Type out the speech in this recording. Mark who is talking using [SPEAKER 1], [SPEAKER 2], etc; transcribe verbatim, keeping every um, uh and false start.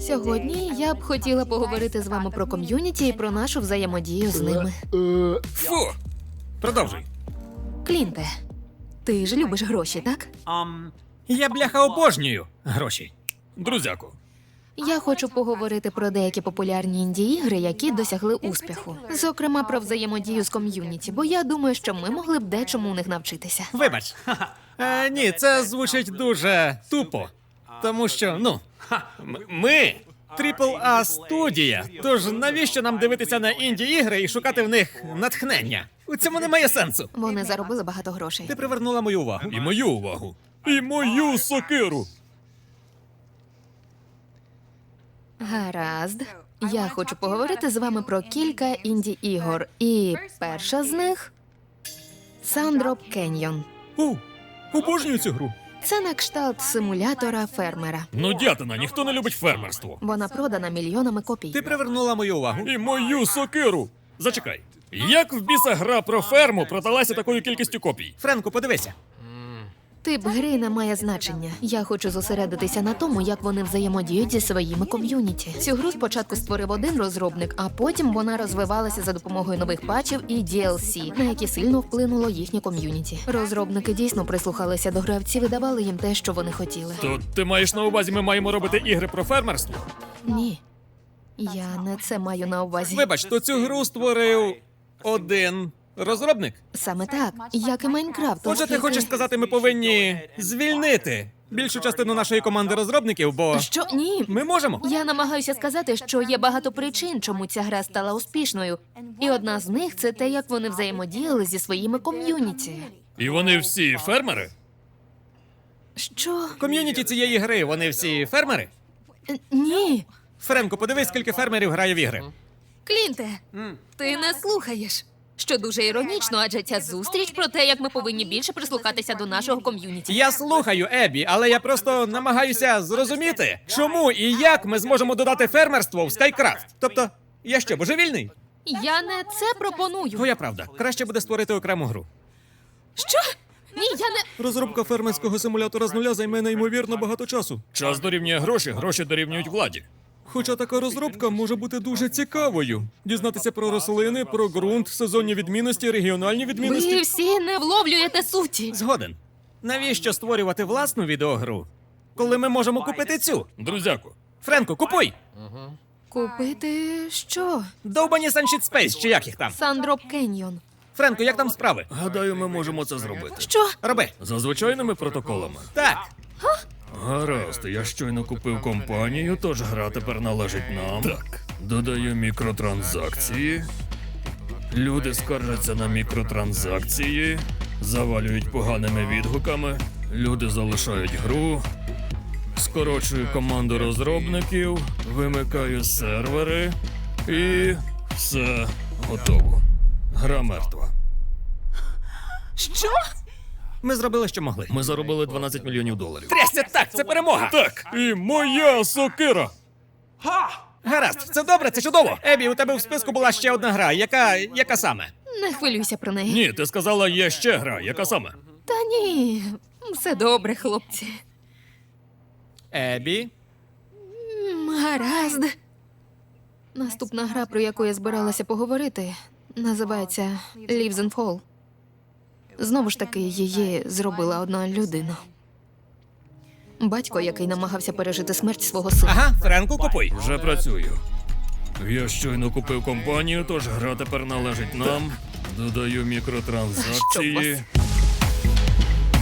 [SPEAKER 1] Сьогодні я б хотіла поговорити з вами про ком'юніті і про нашу взаємодію з ними.
[SPEAKER 2] Фу! Продовжуй.
[SPEAKER 1] Клінте, ти ж любиш гроші, так?
[SPEAKER 2] Я, бляха, обожнюю гроші. Друзяку.
[SPEAKER 1] Я хочу поговорити про деякі популярні інді-ігри, які досягли успіху. Зокрема, про взаємодію з ком'юніті, бо я думаю, що ми могли б дечому у них навчитися.
[SPEAKER 2] Вибач. Е, ні, це звучить дуже тупо. Тому що, ну, м- ми трипл А студія. Тож навіщо нам дивитися на інді-ігри і шукати в них натхнення? У цьому немає сенсу.
[SPEAKER 1] Вони заробили багато грошей.
[SPEAKER 2] Ти привернула мою увагу. І мою увагу. І мою сокиру.
[SPEAKER 1] Гаразд. Я хочу поговорити з вами про кілька інді-ігор. І перша з них – Sandrop Canyon.
[SPEAKER 2] О, обожнюю цю гру.
[SPEAKER 1] Це на кшталт симулятора фермера.
[SPEAKER 2] Ну, дятина, ніхто не любить фермерство.
[SPEAKER 1] Вона продана мільйонами копій.
[SPEAKER 2] Ти привернула мою увагу. І мою сокиру. Зачекай. Як в біса гра про ферму продалася такою кількістю копій? Френку, подивися.
[SPEAKER 1] Тип гри не має значення. Я хочу зосередитися на тому, як вони взаємодіють зі своїми ком'юніті. Цю гру спочатку створив один розробник, а потім вона розвивалася за допомогою нових патчів і ді ел сі, на які сильно вплинуло їхнє ком'юніті. Розробники дійсно прислухалися до гравців і давали їм те, що вони хотіли.
[SPEAKER 2] То ти маєш на увазі, ми маємо робити ігри про фермерство?
[SPEAKER 1] Ні. Я не це маю на увазі.
[SPEAKER 2] Вибач, то цю гру створив один розробник?
[SPEAKER 1] Саме так, як і Майнкрафт.
[SPEAKER 2] Отже, ти
[SPEAKER 1] оскільки-
[SPEAKER 2] хочеш сказати, ми повинні звільнити більшу частину нашої команди розробників, бо
[SPEAKER 1] Що? Ні.
[SPEAKER 2] ми можемо.
[SPEAKER 1] Я намагаюся сказати, що є багато причин, чому ця гра стала успішною. І одна з них – це те, як вони взаємодіяли зі своїми ком'юніті.
[SPEAKER 2] І вони всі фермери?
[SPEAKER 1] Що?
[SPEAKER 2] Ком'юніті цієї гри, вони всі фермери?
[SPEAKER 1] Е, Ні.
[SPEAKER 2] Френко, подивись, скільки фермерів грає в ігри.
[SPEAKER 1] Клінте, ти не слухаєш. Що дуже іронічно, адже ця зустріч про те, як ми повинні більше прислухатися до нашого ком'юніті.
[SPEAKER 2] Я слухаю, Ебі, але я просто намагаюся зрозуміти, чому і як ми зможемо додати фермерство в Скайкрафт. Тобто, я що, божевільний?
[SPEAKER 1] Я не це пропоную.
[SPEAKER 2] Твоя правда. Краще буде створити окрему гру.
[SPEAKER 1] Що? Ні, я не...
[SPEAKER 2] Розробка фермерського симулятора з нуля займе неймовірно багато часу. Час дорівнює гроші, гроші дорівнюють владі. Хоча така розробка може бути дуже цікавою. Дізнатися про рослини, про ґрунт, сезонні відмінності, регіональні відмінності.
[SPEAKER 1] Ви всі не вловлюєте суті.
[SPEAKER 2] Згоден. Навіщо створювати власну відеогру, коли ми можемо купити цю? Друзяку. Френко, купуй!
[SPEAKER 1] Купити що?
[SPEAKER 2] Довбані Sunshine Space, чи як їх там?
[SPEAKER 1] Sandrop Canyon.
[SPEAKER 2] Френко, як там справи? Гадаю, ми можемо це зробити.
[SPEAKER 1] Що?
[SPEAKER 2] Роби.
[SPEAKER 3] За звичайними протоколами.
[SPEAKER 2] Так.
[SPEAKER 3] Гаразд, я щойно купив компанію, тож гра тепер належить нам. Так. Додаю мікротранзакції. Люди скаржаться на мікротранзакції, завалюють поганими відгуками, люди залишають гру. Скорочую команду розробників, вимикаю сервери і все готово. Гра мертва.
[SPEAKER 1] Що?
[SPEAKER 2] Ми зробили, що могли.
[SPEAKER 3] Ми заробили дванадцять мільйонів доларів.
[SPEAKER 2] Трясся так, це перемога!
[SPEAKER 3] Так, і моя сокира.
[SPEAKER 2] Гаразд, це добре, це чудово. Ебі, у тебе в списку була ще одна гра. Яка. яка саме?
[SPEAKER 1] Не хвилюйся про неї.
[SPEAKER 3] Ні, ти сказала, є ще гра. Яка саме?
[SPEAKER 1] Та ні, все добре, хлопці.
[SPEAKER 2] Ебі.
[SPEAKER 1] М, Гаразд. Наступна гра, про яку я збиралася поговорити, називається Lives and Fall. Знову ж таки, її зробила одна людина. Батько, який намагався пережити смерть свого сина.
[SPEAKER 2] Ага, Френку, купуй.
[SPEAKER 3] Вже працюю. Я щойно купив компанію, тож гра тепер належить нам. Додаю
[SPEAKER 1] Що
[SPEAKER 3] мікротранзакції.
[SPEAKER 1] вас?